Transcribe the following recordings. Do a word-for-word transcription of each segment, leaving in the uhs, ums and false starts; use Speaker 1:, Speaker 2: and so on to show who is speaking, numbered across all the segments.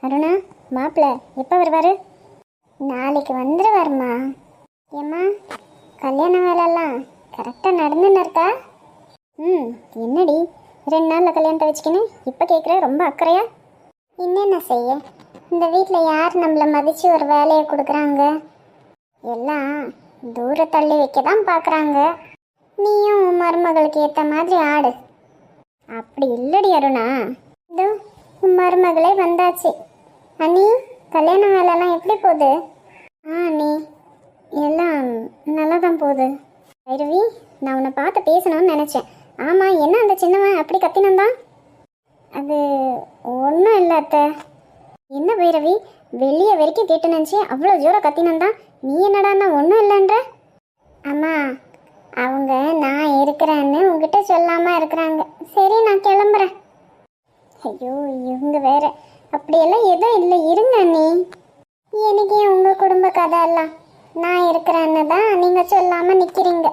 Speaker 1: அருணா, மாப்பிள்ள எப்போ வருவார்? நாளைக்கு வந்துடுவாருமா. ஏம்மா, கல்யாண வேலைலாம் கரெக்டாக நடந்துன்னு இருக்கா? ம், என்னடி ரெண்டு நாளில் கல்யாணத்தை வச்சுக்கின்னு இப்போ கேட்குற, ரொம்ப அக்கறையா? என்னென்ன செய்ய, இந்த வீட்டில் யார் நம்மளை மதித்து ஒரு வேலையை கொடுக்குறாங்க? எல்லாம் தூர தள்ளி வைக்க தான் பார்க்குறாங்க. நீயும் உன் மருமகளுக்கு ஏற்ற மாதிரி ஆடு. அப்படி இல்லடி அருணா, இதோ உன் மருமகளே வந்தாச்சு. அண்ணி, கல்யாண வேலைலாம் எப்படி போகுது? ஆ அண்ணி, எல்லாம் நல்லா தான் போகுது. பைரவி, நான் உன்னை பார்த்து பேசணும்னு நினச்சேன். ஆமாம், என்ன அந்த சின்னவன் அப்படி கத்தினந்தான்? அது ஒன்றும் இல்லை அத்தை. என்ன பைரவி, வெளியே வரைக்கும் கேட்டு நினச்சி அவ்வளோ ஜோரம் கத்தினந்தான், நீ என்னடான்னா ஒன்றும் இல்லைன்ற? அம்மா, அவங்க நான் இருக்கிறேன்னு உங்ககிட்ட சொல்லாமல் இருக்கிறாங்க. சரி, நான் கிளம்புறேன். ஐயோ, இவங்க வேற. அப்படியெல்லாம் எதுவும் இல்லை, இருங்க அண்ணி. எனக்கு ஏன் உங்கள் குடும்ப கதை எல்லாம்? நான் இருக்கிறேன்னு தான் நீங்கள் சொல்லாமல் நிற்கிறீங்க.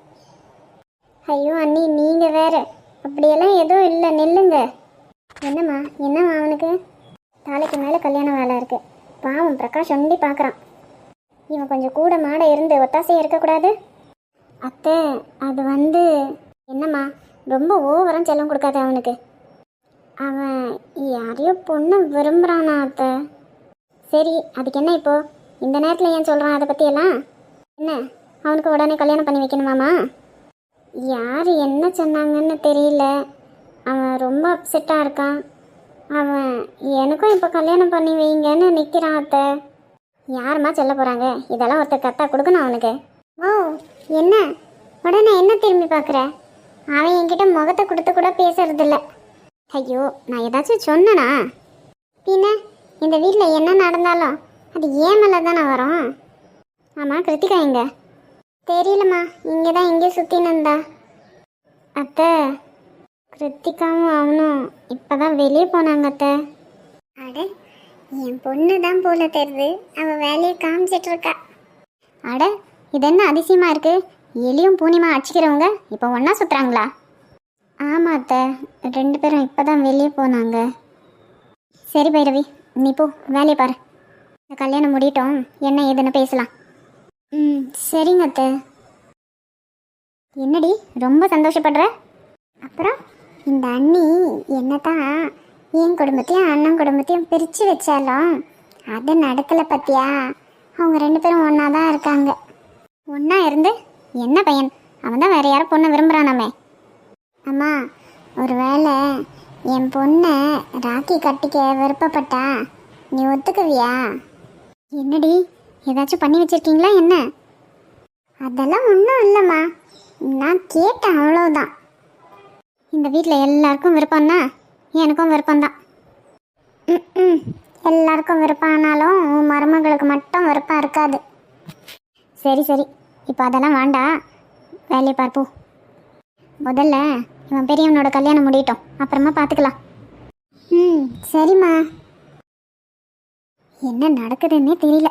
Speaker 1: ஐயோ அண்ணி, நீங்கள் வேற. அப்படியெல்லாம் எதுவும் இல்லை, நில்லுங்க. என்னம்மா, என்னம்மா அவனுக்கு? நாளைக்கு மேலே கல்யாண வேலை இருக்குது. பாவம், பிரகாஷ் ஒண்டி பார்க்குறான். இவன் கொஞ்சம் கூட மாட இருந்து ஒத்தாசையாக இருக்கக்கூடாது? அத்தை, அது வந்து என்னம்மா, ரொம்ப ஓவரம் செல்லம் கொடுக்காத அவனுக்கு. அவன் யாரையோ பொண்ணு விரும்புகிறானா அத்தை? சரி, அதுக்கு என்ன இப்போ இந்த நேரத்தில் ஏன் சொல்கிறான் அதை பற்றியெல்லாம்? என்ன, அவனுக்கு உடனே கல்யாணம் பண்ணி வைக்கணுமாம்மா? யார் என்ன சொன்னாங்கன்னு தெரியல, அவன் ரொம்ப அப்செட்டாக இருக்கான். அவன் எனக்கும் இப்போ கல்யாணம் பண்ணி வைங்கன்னு நிற்கிறான் அத்தை. யாருமா சொல்ல போகிறாங்க? இதெல்லாம் ஒருத்தர் கத்தா கொடுக்கணும் அவனுக்கு. ஓ, என்ன உடனே என்ன திரும்பி பார்க்குற? அவன் என்கிட்ட முகத்தை கொடுத்து கூட பேசுறதில்ல. ஐயோ, நான் ஏதாச்சும் சொன்னனா? பின்ன இந்த வீட்டில் என்ன நடந்தாலும் அது ஏன் மேலே தானே வரும். ஆமாம், கிருத்திகா எங்க? தெரியலம்மா, இங்கே தான் எங்கேயும் சுற்றினந்தா. அத்தை, கிருத்திகாவும் அவனும் இப்போ தான் வெளியே போனாங்க அத்தை. அட, என் பொண்ணு தான் போல தெரியுது, அவள் வேலையை காமிச்சிட்ருக்கா. அட, இது என்ன அதிசயமாக இருக்குது? எலியும் பூனிமா அடிச்சிக்கிறவங்க இப்போ ஒன்றா சுற்றுறாங்களா? ஆமாம் அத்தை, ரெண்டு பேரும் இப்போ தான் வெளியே போனாங்க. சரி பைரவி, நீ போ, வேலையை பாரு. இந்த கல்யாணம் முடியட்டும், என்ன ஏதுன்னு பேசலாம். ம், சரிங்க அத்தை. என்னடி ரொம்ப சந்தோஷப்படுற? அப்புறம் இந்த அண்ணி என்ன தான் என் குடும்பத்தையும் அண்ணன் குடும்பத்தையும் பிரித்து வச்சாலும் அது நடக்கலை பற்றியா? அவங்க ரெண்டு பேரும் ஒன்றா தான் இருக்காங்க. ஒன்றா இருந்து என்ன பையன்? அவன் தான் வேறு யாரும் பொண்ணை விரும்புகிறானாமே. அம்மா, ஒரு வேளை என் பொண்ணை ராக்கி கட்டிக்க விருப்பப்பட்டா நீ ஒத்துக்குவியா? என்னடி, ஏதாச்சும் பண்ணி வச்சுருக்கீங்களா என்ன? அதெல்லாம் ஒன்றும் இல்லைம்மா, நான் கேட்டேன், அவ்வளோதான். இந்த வீட்டில் எல்லாருக்கும் விருப்பம்னா எனக்கும் விருப்பம்தான். ம் ம் எல்லாருக்கும் விருப்பம் ஆனாலும் உன் மருமகளுக்கு மட்டும் விருப்பம் இருக்காது. சரி சரி, இப்போ அதெல்லாம் வேண்டாம், வேலையை பார்ப்போம். முதல்ல இவன் பெரியவனோட கல்யாணம் முடியட்டும், அப்புறமா பார்த்துக்கலாம். ம், சரிம்மா. என்ன நடக்குதுன்னே தெரியல.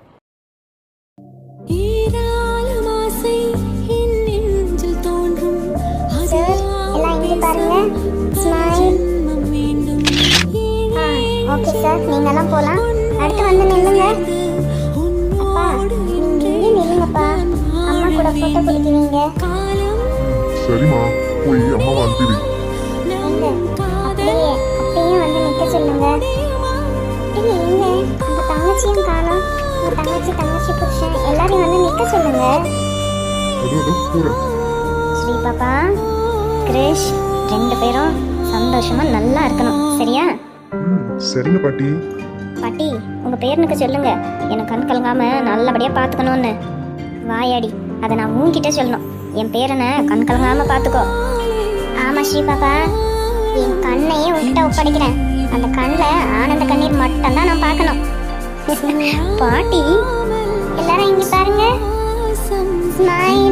Speaker 1: எல்லாம் இங்கே பாருங்க, ஸ்மைல். ஆ, ஓகே சார், நீங்கெல்லாம் போகலாம். அடுத்து வந்து நில்லுங்க. அப்பா, நீங்கள் இங்கே நில்லுங்கப்பா, அம்மா கூட ஃபோட்டோ பிடிக்குவீங்க.
Speaker 2: சரிம்மா, போய் அம்மாவை அனுப்பிடு.
Speaker 1: அப்படியே அப்பயும் வந்து நிற்க சொல்லுங்க. இல்லை எங்க அந்த தங்கச்சியும் காணோம். உங்கள் தங்கச்சி தங்கச்சி புருஷன் எல்லாரையும் வந்து நிற்க சொல்லுங்க. ஸ்ரீ பாப்பா, கிரேஷ், ரெண்டு பேரும் சந்தோஷமா நல்லா இருக்கணும், சரியா?
Speaker 2: சரிங்க பாட்டி.
Speaker 1: பாட்டி, உங்க பேரனுக்கு சொல்லுங்க எனக்கு கண் கலங்காம நல்லபடியா பாத்துக்கணும்னு. வாயாடி, அதை நான் உன்கிட்ட சொல்லணும். என் பேரனை கண் கலங்காம பாத்துக்கோ. ஆமா ஸ்ரீ பாப்பா, என் கண்ணையே உன்கிட்ட ஒப்படைக்கிறேன். அந்த கண்ணில் ஆனந்த கண்ணீர் மட்டும்தான் நான் பார்க்கணும். பாட்டி, எல்லாரும் இங்க பாருங்க, ஸ்மைல்.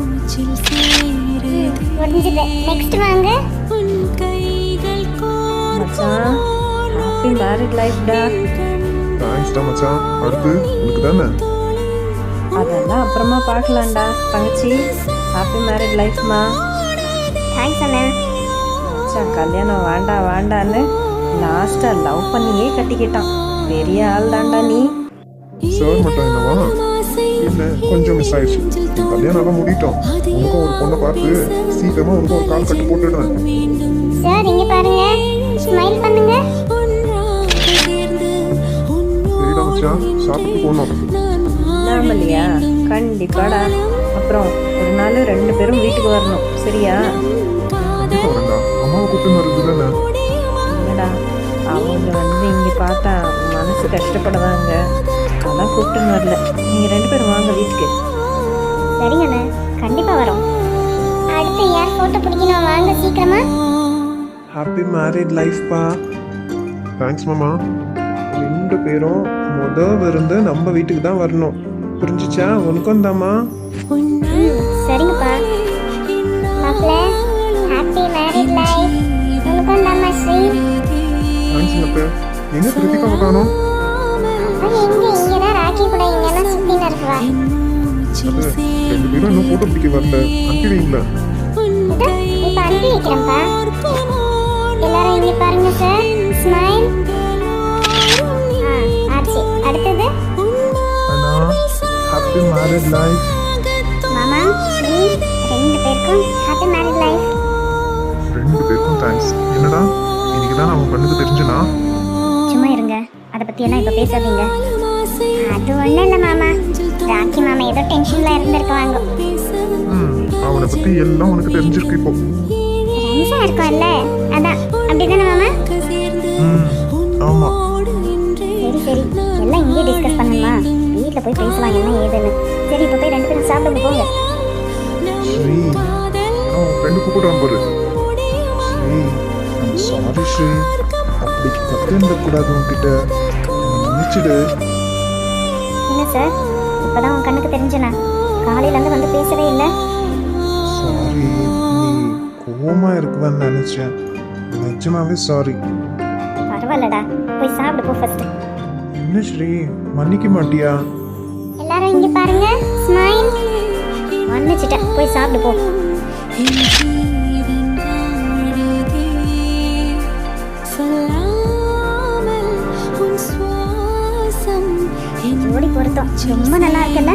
Speaker 1: முடிஞ்சது, நெக்ஸ்ட் வாங்க.
Speaker 3: மச்சான், ஹாப்பி மேரிட் லைஃப் டா.
Speaker 2: தேங்க்ஸ் டா மச்சான். அடுத்து உங்களுக்கு தானே?
Speaker 3: அதெல்லாம் அப்புறமா பார்க்கலாம்டா தங்கச்சி. ஹாப்பி மேரிட் லைஃப்மா.
Speaker 1: தேங்க்ஸ் அண்ணா.
Speaker 3: மச்சான், கல்யாணம் வேண்டாம் வேண்டான்னு லாஸ்ட்டாக லவ் பண்ணியே கட்டிக்கிட்டான். பெரிய ஆள் தான்டா நீ.
Speaker 2: சார் மட்டும் என்னவா இல்லை கொஞ்சம் மிஸ் ஆயிடுச்சு. கல்யாணம் எல்லாம் முடிட்டோம். உனக்கும் ஒரு பொண்ணை பார்த்து சீக்கிரமா உனக்கும் ஒரு கால் கட்டு போட்டுடுறேன்.
Speaker 1: சார் இங்க பாருங்க, ஸ்மைல் பண்ணுங்க.
Speaker 2: சரிடா மச்சான், சாப்பிட்டு போனோம்.
Speaker 3: நாமலையா? கண்டிப்பாடா. அப்புறம் ஒரு நாள் ரெண்டு பேரும் வீட்டுக்கு வரணும், சரியா?
Speaker 2: கண்டிப்பா வரேன்டா. அம்மாவை கூப்பிட்டு வருது தானே?
Speaker 3: இல்லைடா, அவங்க வந்து இங்கே பார்த்தா மனசு கஷ்டப்படுவாங்க. அதான் கூப்பிட்டுன்னு வரல. நீங்கள் ரெண்டு பேரும் வாங்க வீட்டுக்கு.
Speaker 1: சரிங்கண்ணே, கண்டிப்பா வரோம். அடுத்து யார் போட்டோ பிடிக்கணும், வாங்க சீக்கிரமா.
Speaker 4: Happy married லைஃப்பா.
Speaker 2: தேங்க்ஸ் மாமா.
Speaker 4: ரெண்டு பேரும் முத விருந்து நம்ம வீட்டுக்கு தான் வரணும், புரிஞ்சுச்சா? உனக்கும் தாம்மா.
Speaker 1: ம், சரிங்கப்பா. மாப்பிள்ள, ஹாப்பி மேரிட் லைஃப். உனக்கும் தாம்மா ஸ்ரீ.
Speaker 2: தேங்க்ஸ் அத்தை. எங்க கிருத்திகாவை காணோம்?
Speaker 1: அவன் எங்க? இங்கதான் ராக்கி கூட இங்கெல்லாம் சுத்தின்னு இருக்குவா.
Speaker 2: அத்தை, ரெண்டு பேரும் இன்னும் போட்டோ பிடிக்க வரல. அனுப்பிடுவீங்களா?
Speaker 1: இதோ, இப்ப அனுப்பி வைக்கிறேன்ப்பா. எல்லாரும் இங்க பாருங்க சார், ஸ்மைல். ஆ, ஆச்சு. அடுத்தது
Speaker 4: அண்ணா, ஹாப்பி மேரிட் லைஃப்.
Speaker 1: மாமா ஸ்ரீ, ரெண்டு பேருக்கும் ஹாப்பி மேரிட் லைஃப்.
Speaker 2: ரெண்டு பேருக்கும் தேங்க்ஸ். என்னடா இன்னைக்கு தான் அவன் கண்ணுக்கு தெரிஞ்சுனா?
Speaker 1: சும்மா இருங்க, அதை பத்தி எல்லாம் இப்ப பேசாதீங்க. அது ஒண்ணும் இல்ல மாமா, ராக்கி மாமா ஏதோ டென்ஷன்ல இருந்திருக்காங்க.
Speaker 2: ம் அவனை பத்தி எல்லாம் உனக்கு தெரிஞ்சிருக்கு இப்போ.
Speaker 1: ரம்சா இருக்கும்ல, அதான். அப்படிதானே மாமா?
Speaker 2: ம் ஆமா.
Speaker 1: சரி சரி, எல்லாம் இங்கே டிஸ்கஸ் பண்ணுமா? வீட்டில் போய் பேசலாம் என்ன ஏதுன்னு. சரி, இப்போ போய் ரெண்டு பேரும் சாப்பிடுங்க போங்க.
Speaker 2: ஸ்ரீ, அவன் ஃப்ரெண்டு கூப்பிடுறான் பாரு.
Speaker 4: Sri, I'm sorry Sri. அப்படி கத்திருந்தக்கூடாது உன்கிட்ட. என்னை மன்னிச்சிடு.
Speaker 1: என்ன சார், இப்போதான் உன் கண்ணுக்கு தெரிஞ்சனா? காலையிலேருந்து வந்து பேசவே இல்லை.
Speaker 4: சாரி, நீ கோவமா இருக்குவேன்னு நினைச்சேன். நிஜமாவே சாரி.
Speaker 1: பரவாயில்லடா, போய் சாப்பிடு போ ஃபர்ஸ்ட்.
Speaker 4: என்ன ஸ்ரீ, மன்னிக்க மாட்டியா?
Speaker 1: எல்லாரும் இங்கே பாருங்க, ஸ்மைல். மன்னிச்சிட்டேன், போய் சாப்பிடு போ. ஜோடி பொருத்தம் ரொம்ப நல்லா இருக்குல்ல?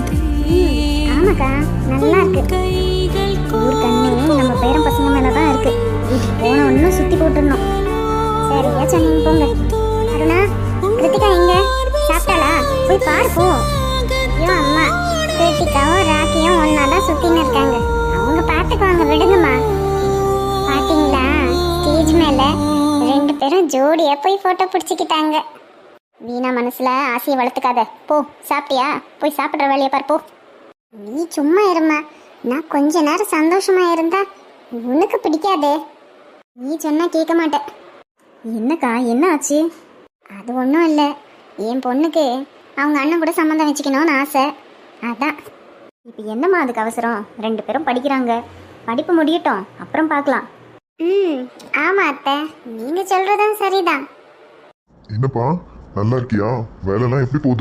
Speaker 1: ம், ஆமாக்கா, நல்லா இருக்கு. ஊர் கண்ணு நம்ம பேரன் பசங்க மேல தான் இருக்கு. வீட்டுக்கு போன ஒன்றும் சுத்தி போட்டுடணும். சரியா சொன்னீங்க, போங்க. அருணா, கிருத்திகா எங்க? சாப்பிட்டாளா? போய் பாரு போ. ஐயோ அம்மா, கிருத்திகாவும் ராக்கியும் ஒன்னா தான் சுத்தின்னு இருக்காங்க. அவங்க பார்த்துக்குவாங்க, விடுங்கம்மா. பாத்தீங்களா, ஸ்டேஜ் மேல ரெண்டு பேரும் ஜோடியா போய் போட்டோ பிடிச்சிக்கிட்டாங்க. வீணா மனசுல ஆசையை வளர்த்துக்காத. போ, சாப்பிட்டியா? போய் சாப்பிட்ற வேலையை பாரு போ. நீ சும்மா இருமா. நான் கொஞ்ச நேரம் சந்தோஷமா இருந்தா உனக்கு பிடிக்காதே. நீ சொன்னா கேட்க மாட்டேன். என்னக்கா, என்ன ஆச்சு? அது ஒன்றும் இல்லை. என் பொண்ணுக்கு அவங்க அண்ணன் கூட சம்மந்தம் வச்சுக்கணும்னு ஆசை, அதான். இப்போ என்னம்மா அதுக்கு அவசரம்? ரெண்டு பேரும் படிக்கிறாங்க, படிப்பு முடியட்டும், அப்புறம் பார்க்கலாம். ம் ஆமாம் அத்தை, நீங்கள் சொல்கிறதும் சரிதான்.
Speaker 2: என்னப்பா நல்லா இருக்கியா? வேலைலாம் எப்படி போகுது?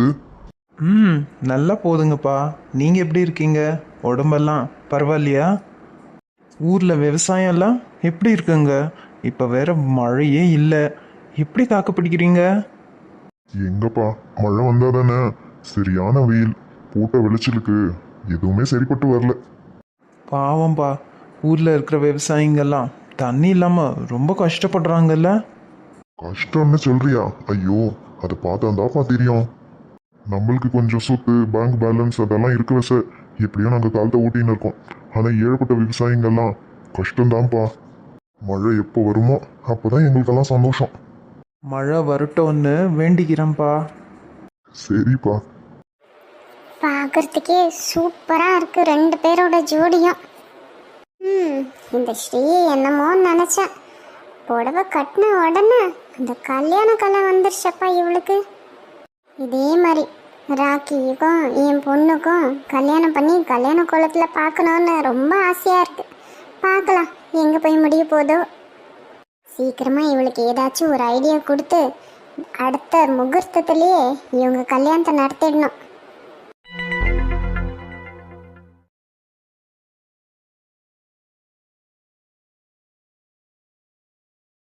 Speaker 4: ம் நல்லா போதுங்கப்பா. நீங்கள் எப்படி இருக்கீங்க? உடம்பெல்லாம் பரவாயில்லையா? ஊரில் விவசாயம்லாம் எப்படி இருக்குங்க? இப்போ வேற மழையே இல்லை. எப்படி தாக்கு பிடிக்கிறீங்க?
Speaker 2: எங்கப்பா, மழை வந்தா தானே. சரியான வெயில், போட்ட விளைச்சலுக்கு எதுவுமே சரிப்பட்டு வரல.
Speaker 4: பாவம்பா, ஊரில் இருக்கிற விவசாயிங்கெல்லாம் தண்ணி இல்லாமல் ரொம்ப கஷ்டப்படுறாங்கல்ல?
Speaker 2: கஷ்டம்னு சொல்றியா? ஐயோ, அதை பார்த்தாந்தாப்பா தெரியும். நம்மளுக்கு கொஞ்சம் சொத்து, பேங்க் பேலன்ஸ் அதெல்லாம் இருக்க சார். எப்படியோ நாங்கள் காலத்தை ஊட்டின்னு இருக்கோம். ஆனால் ஏழப்பட்ட விவசாயிங்கெல்லாம் கஷ்டம்தான்ப்பா. மழை எப்போ வருமோ அப்போதான் எங்களுக்கெல்லாம் சந்தோஷம்.
Speaker 4: மழை வரட்டும்னு வேண்டிக்கிறேன்ப்பா.
Speaker 2: சரிப்பா.
Speaker 1: பார்க்கறதுக்கே சூப்பராக இருக்கு ரெண்டு பேரோட ஜோடியும். ம் இந்த ஸ்ரீ என்னமோ நினச்சேன். புடவை கட்டின உடனே அந்த கல்யாண கலை வந்துருச்சப்பா இவளுக்கு. இதே மாதிரி ராக்கிக்கும் என் பொண்ணுக்கும் கல்யாணம் பண்ணி கல்யாண கோலத்தில் பார்க்கணுன்னு ரொம்ப ஆசையாக இருக்கு. பார்க்கலாம் எங்கே போய் முடிய போதோ. சீக்கிரமாக இவளுக்கு ஏதாச்சும் ஒரு ஐடியா கொடுத்து அடுத்த முகூர்த்தத்துலேயே இவங்க கல்யாணத்தை நடத்திடணும்.